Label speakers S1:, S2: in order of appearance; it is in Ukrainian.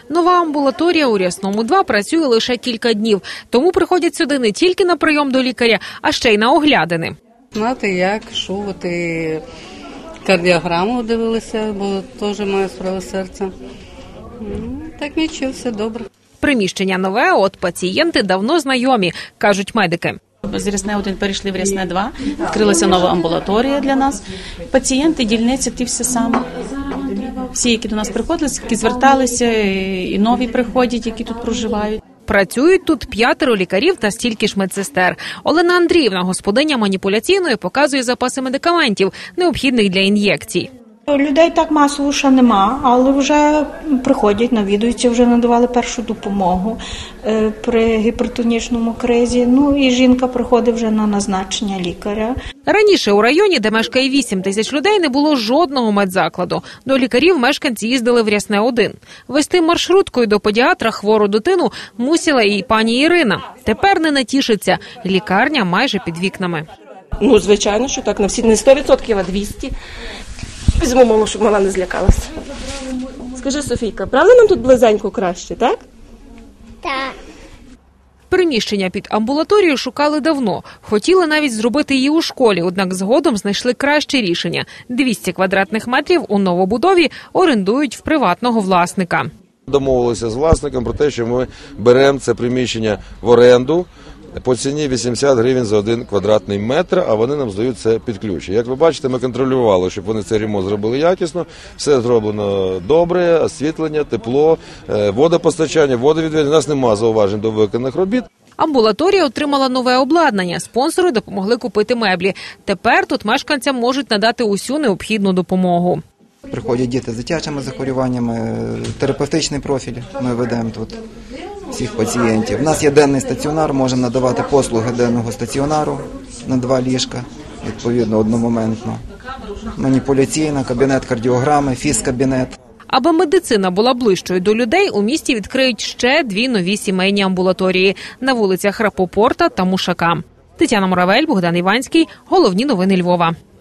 S1: Нова амбулаторія у Рясному 2 працює лише кілька днів, тому приходять сюди не тільки на прийом до лікаря, а ще й на оглядини.
S2: Знати як, що, і кардіограму дивилися, бо теж маю справу серця. Так нічого, все добре.
S1: Приміщення нове, от пацієнти давно знайомі, кажуть медики.
S3: З Рясне 1 перейшли в Рясне 2, відкрилася нова амбулаторія для нас. Пацієнти, дільниці, ті всі самі. Всі, які до нас приходили, які зверталися, і нові приходять, які тут проживають.
S1: Працюють тут 5 лікарів та стільки ж медсестер. Олена Андріївна, господиня маніпуляційної, показує запаси медикаментів, необхідних для ін'єкцій.
S4: Людей так масово ще нема, але вже приходять, навідуються, вже надавали першу допомогу при гіпертонічному кризі. Ну і жінка приходить вже на назначення лікаря.
S1: Раніше у районі, де мешкає 8 тисяч людей, не було жодного медзакладу. До лікарів мешканці їздили в Рясне 1. Вести маршруткою до педіатра хвору дитину мусила і пані Ірина. Тепер не натішиться. Лікарня майже під вікнами.
S5: Ну, звичайно, що так, на всі не 100%, а 200%. Візьму маму, щоб мала не злякалася. Скажи, Софійка, правда нам тут близенько краще, так?
S6: Так.
S1: Приміщення під амбулаторію шукали давно. Хотіли навіть зробити її у школі, однак згодом знайшли краще рішення. 200 квадратних метрів у новобудові орендують в приватного власника.
S7: Домовилися з власником про те, що ми беремо це приміщення в оренду по ціні 80 гривень за 1 квадратний метр, а вони нам здають це під ключ. Як ви бачите, ми контролювали, щоб вони цей ремонт зробили якісно, все зроблено добре, освітлення, тепло, водопостачання, водовідведення. У нас немає зауважень до виконаних робіт.
S1: Амбулаторія отримала нове обладнання. Спонсори допомогли купити меблі. Тепер тут мешканцям можуть надати усю необхідну допомогу.
S8: Приходять діти з дитячими захворюваннями, терапевтичний профіль ми ведемо тут всіх пацієнтів. У нас є денний стаціонар, можемо надавати послуги денного стаціонару на 2 ліжка, відповідно, одномоментно. Маніпуляційна, кабінет кардіограми, фізкабінет.
S1: Аби медицина була ближчою до людей, у місті відкриють ще 2 нові сімейні амбулаторії на вулицях Рапопорта та Мушака. Тетяна Муравель, Богдан Іванський. Головні новини Львова.